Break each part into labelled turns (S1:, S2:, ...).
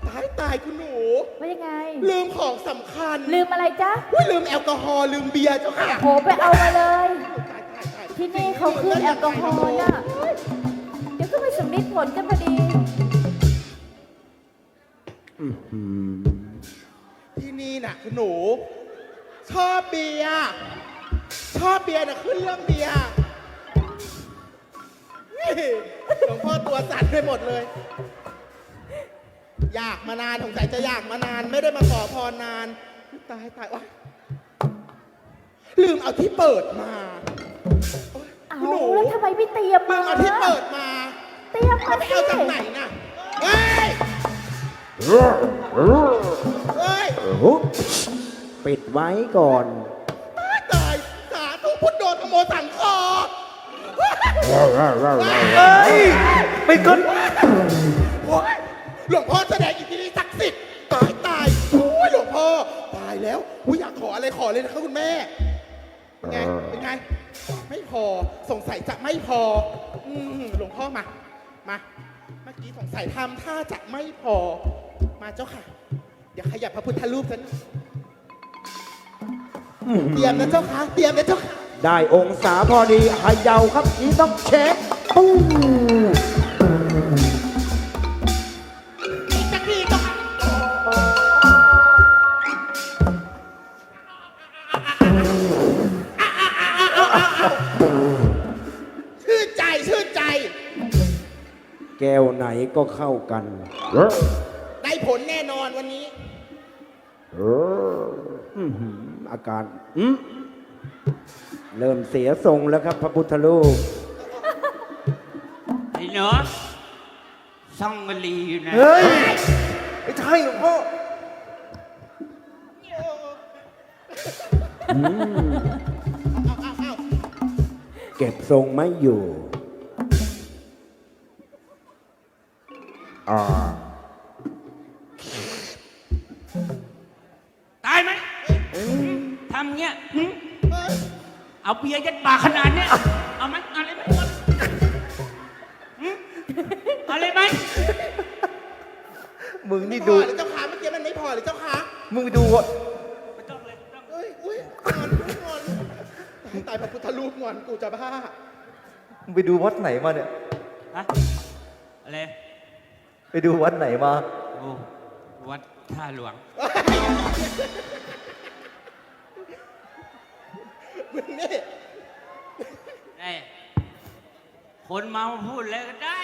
S1: ตายคุณหนู
S2: ว่ายังไง
S1: ลืมของสำคัญ
S2: ลืมอะไรจ๊ะ
S1: ลืมแอลกอฮอล์ลืมเบียร์เจ้าค่ะ
S2: โหไปเอามาเลยที่นี่เขาขึ้นแอลกอฮอล์น่ะเดี๋ยวก็ไปสำลิดผลกันพอดี
S1: ที่นี่น่ะคุณหนูชอบเบียร์น่ะขึ้นเรื่องเบียร์หลวงพ่อตัวสั่นไปหมดเลยอยากมานานสงสัยจะอยากมานานไม่ได้มาขอพรนานตายว่ะลืมเอาที่เปิดมา
S2: เอาแล้วทำไมไม่เตรียมมา
S1: เอาที่เปิดมา
S2: เตรียมมา
S1: สิเอาจากไหนน่ะเฮ้ย
S3: ปิดไว้ก่อน
S1: ตายสาธุพุทโธธโมสังโฆ
S3: ไปก่อน
S1: หลวงพ่อแสดงอิทธิฤทธิ์ศักดิ์สิทธิ์ตายโอ้ยหลวงพ่อตายแล้วอยากขออะไรขอเลยนะครับคุณแม่เป็นไงไม่พอสงสัยจะไม่พอหลวงพ่อมาเมื่อกี้สงสัยทำท่าจะไม่พอมาเจ้าค่ะเดี๋ยวขยับพระพุทธรูปฉันเตรียมนะเจ้าค่ะเตรียมนะเจ้าค่ะ
S3: ได้องศาพอดีเขย่าครับนี่ต้องเช็คปู้
S1: อีกสักทีเจ้าค่ะชื่นใจ
S3: แก้วไหนก็เข้ากัน
S1: ได้ผลแน่นอนวันนี้
S3: อาการเริ่มเสียทรงแล้วครับพระพุทธรูป
S4: ไอ้เนาะซ่องกะลีอยู่นะ
S3: เฮ้ยไม่ใช่หลวงพ่อเก็บทรงไม่อยู่
S4: ตายไหมทำเงี้ยเอาเบียร์ยัดปากขนาดเนี้ยเอาไหมอะไรไหมอะไรไหม
S3: มึงนี่ดู
S1: หรือเจ้าขาเมื่อกี้มันไม่พอหรือเจ้าขา
S3: มึงดู
S4: ไม่ต้องเลย
S1: อุ้ยงอนตายพระพุทธรูปงอนกูจะบ้า
S3: มึงไปดูวัดไหนมาเนี่ย
S4: ฮะอะไร
S3: ไปดูวัดไหนมา
S4: โอ้วัดท่าหลวง
S1: มึงนี่
S4: คนเมาพูดเลยก็ได้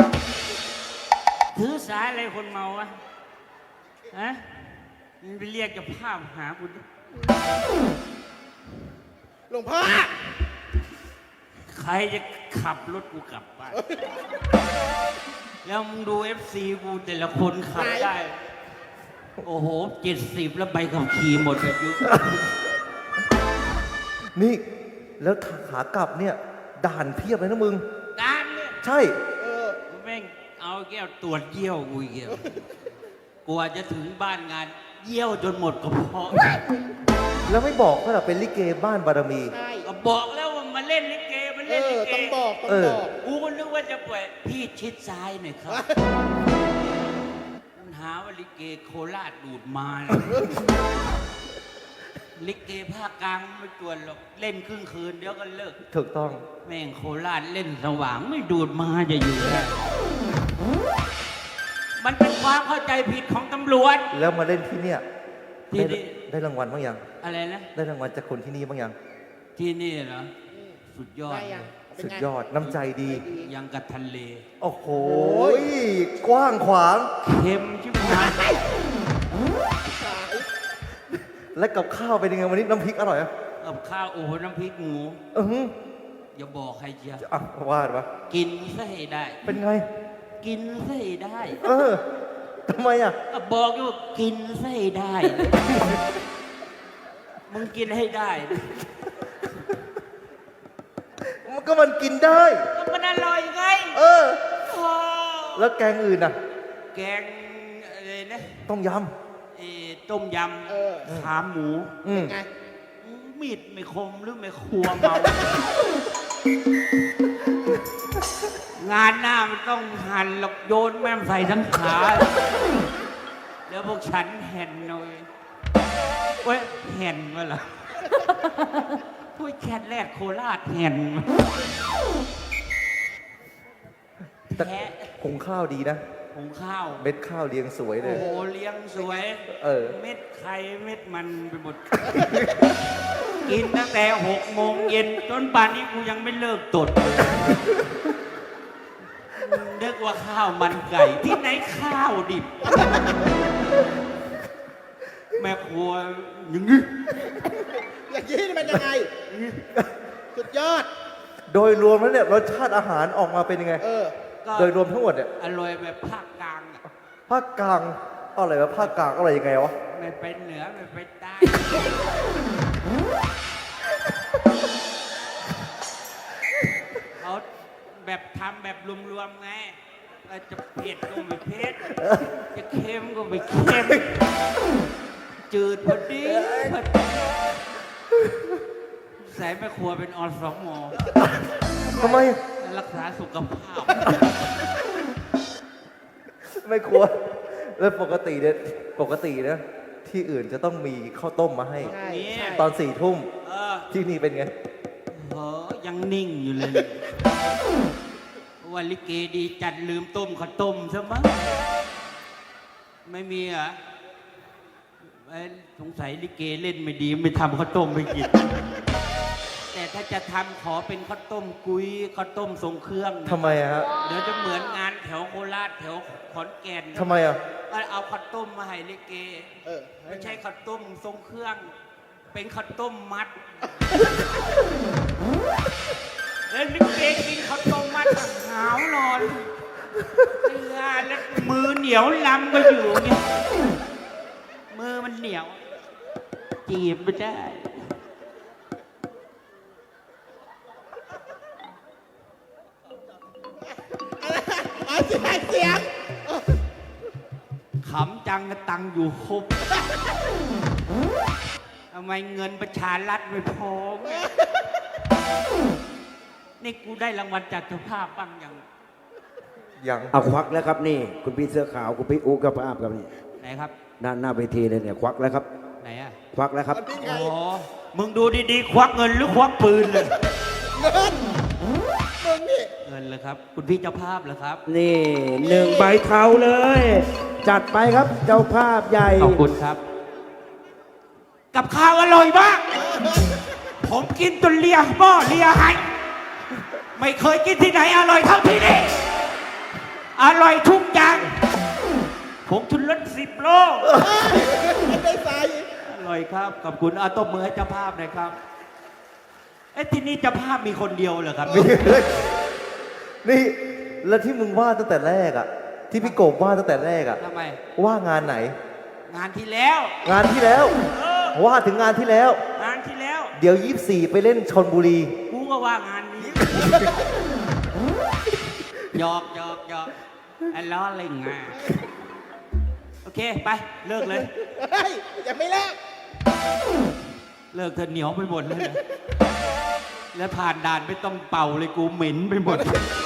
S4: ถือสายอะไรคนเมาวะฮะมันไปเรียกจะภาพหาคุณ
S1: หลวงพ่อ
S4: ใครจะขับรถกูกลับบ้านแล้วมึงดู FC กูแต่ละคนขับได้โอ้โห70แล้วใบขับขี่หมดอายุ
S3: นี่แล้วขากลับเนี่ยด่านเพียบเลยนะมึง
S4: ด่านเนี่ย
S3: ใช่
S4: แม่งเอาแก้วตรวจเยี่ยวกูเยี่ยวกว่าจะถึงบ้านงานเยี่ยวจนหมดกระเพาะ
S3: แล้วไม่บอกว่าเราเป็นลิเกบ้านบารมี
S4: ก็บอกแล้วว่ามาเล่นลิเกมาเล่นลิเก
S1: ต้องบอก
S4: กูก็นึกว่าจะปล่อยพี่ชิดซ้ายหน่อยครับมันหาว่าลิเกโคราชดูดมาลิเกภาคกลางไม่จวนหรอกเล่นครึ่งคืนเดี๋ยวก็เลิก
S3: ถูกต้อง
S4: แม่งโคราชเล่นสว่างไม่ดูดมาจะอยู่ได้มันเป็นความเข้าใจผิดของตำรวจ
S3: แล้วมาเล่นที่เนี่ยได้รางวัลบ้างยัง
S4: อะไรนะ
S3: ได้รางวัลจากคนที่นี่บ้างยัง
S4: ที่นี่เหรอสุดยอด
S3: สุดยอดน้ำใจดี
S4: ยังกับทะเล
S3: โอ้โหกว้างขวาง
S4: เค็มชิบหาย
S3: และกับข้าวเป็นยังไงวันนี้น้ำพริกอร่อยอ่ะ
S4: กับข้าวโอ้โหน้ำพริกหมูอย่าบอกใครเชียว
S3: ว่าดวะ
S4: กินซะให้ได้
S3: เป็นไง
S4: กินซะให้ได้
S3: ทำไมอ่ะ
S4: บอกอยู่กินซะให้ได้มึงกินให้ได้
S3: มันกินได้
S4: ก็มันอร่อยไง
S3: แล้วแกงอื่นอ่ะ
S4: แกงอะไรนะ
S3: ต้มย
S4: ต้มยำขาหมู
S1: เป็นไง
S4: มีดไม่คมหรือไม่ครัวเมางานหน้ามันต้องหั่นหลอกโยนแม่มใส่ทั้งขาวกฉันแห่นหน่อยเว้ยแห่นวะเหรอพูดแคทแรกโคราชแห่นแท้
S5: คงข้าวดีนะ
S4: หุงข้าว
S5: เม็ดข้าวเรียงสวยเล
S4: โอ้
S5: ย
S4: โหเลี้ยงสวย เม็ดไข่เม็ดมันไปหมด กินตั้งแต่6 โมงเย็นจนป่านนี้กูยังไม่เลิกตดเลยเรียกว่าข้าวมันไก่ที่ไหนข้าวดิบ แม่ครัวอย่างนี้
S1: อย่างนี้นี่มันยังไง สุดยอด
S5: โดยรวมแล้วเนี่ยรสชาติอาหารออกมาเป็นยังไง
S4: ก็
S5: โดยรวมทั้งหมดเนี่ย
S4: อร่อยแบบภาคกลางอะ
S5: ภาคกลางอะไรวะภาคกลางอะไรยังไงวะ
S4: ไม่ไปเหนือไม่ไปใต้เขาแบบทำแบบรวมๆไงจะเผ็ดก็ไม่เผ็ดจะเค็มก็ไม่เค็มจืดพอดีพอดีใส่แม่ครัวเป็นอสม
S5: ทำไม
S4: รักษาสุขภาพ
S5: ไม่ครัวแล้วปกติเนี่ยที่อื่นจะต้องมีข้าวต้มมาให้
S1: ใช่
S4: เนี่ย
S5: ตอน4 ทุ่ม
S4: เออ
S5: ที่นี่เป็นไง
S4: เออยังนิ่งอยู่เลยวันลิเกดีจัดลืมต้มข้าวต้มซะมั้งไม่มีเหรอเอ้ยสงสัยลิเกเล่นไม่ดีไม่ทำข้าวต้มไม่กิน แต่ถ้าจะทำขอเป็นข้าวต้มกุ้ยข้าวต้มทรงเครื่องนะ
S5: ทำไมอะฮะ
S4: เดี๋ยวจะเหมือนงานแถวโคราชแถวขอนแก่น
S5: ทำไมอะ
S4: ก็เอาข้าวต้มมาให้ลิเก
S1: เออ
S4: ไม่ใช่ข้าวต้มทรงเครื่อง เป็นข้าวต้มมัด แล้วลิเกกินข้าวต้มมัดหาวนอนเวลาแล้วมือเหนียวลำก็อยู่เงี้ยมือมันเหนียว จีบไม่ได้
S1: เสียง
S4: ขำจังก็ตังอยู่ครบทำไมเงินประชารัฐไม่พอไงนี่กูได้รางวัลจากเจ้าภาพบ้างยัง
S5: ยัง
S3: เอาควักแล้วครับนี่ คุณพี่เสื้อขาวคุณพี่อูกับภาพครับนี่
S4: ไหนครับ
S3: ด้านหน้าเวทีเลยเนี่ยควักแล้วครับ
S4: ไหนอ่ะ
S3: ควักแล้วครับ
S1: นี่ไง
S4: อ๋อ มึงดูดีๆ ควักเงินหรือควักปืนเลย
S1: เงินมึงนี่
S4: เงินเลยครับ คุณพี่เจ้าภาพเหรอครับ
S3: นี่1 ใบเทาเลย จัดไปครับเจ้าภาพใหญ่
S4: ขอบคุณครับ กับข้าวอร่อยมาก ผมกินจนเลียหม้อเลียไหายไม่เคยกินที่ไหนอร่อยเท่าที่นี่ อร่อยทุกอย่างผมชุนรส10 โล
S1: ไม่ได้ใส่
S4: อร่อยครับ ขอบคุณเอาตบมือให้เจ้าภาพหน่อยครับ เอ้ที่นี่เจ้าภาพมีคนเดียวเหรอครับ
S5: นี่แล้วที่มึงว่าตั้งแต่แรกอะที่พี่โกบว่าตั้งแต่แรกอะ
S4: ทำไม
S5: ว่างานไหน
S4: งานที่แล้ว
S5: งานที่แล้ว ว่าถึงงานที่แล้ว
S4: งานที่แล้ว
S5: เดี๋ยว24ไปเล่นชนบุรี
S4: กูก็ว่างานนี้หยอกไอ้ล้อเล่นงานโอเค ไป เลิกเลย
S1: เฮ้ยยังไม่เลิก
S4: เลิกเธอเหนียวไปหมดเลยนะแล้วผ่านด่านไม่ต้องเป่าเลยกูเหม็นไปหมด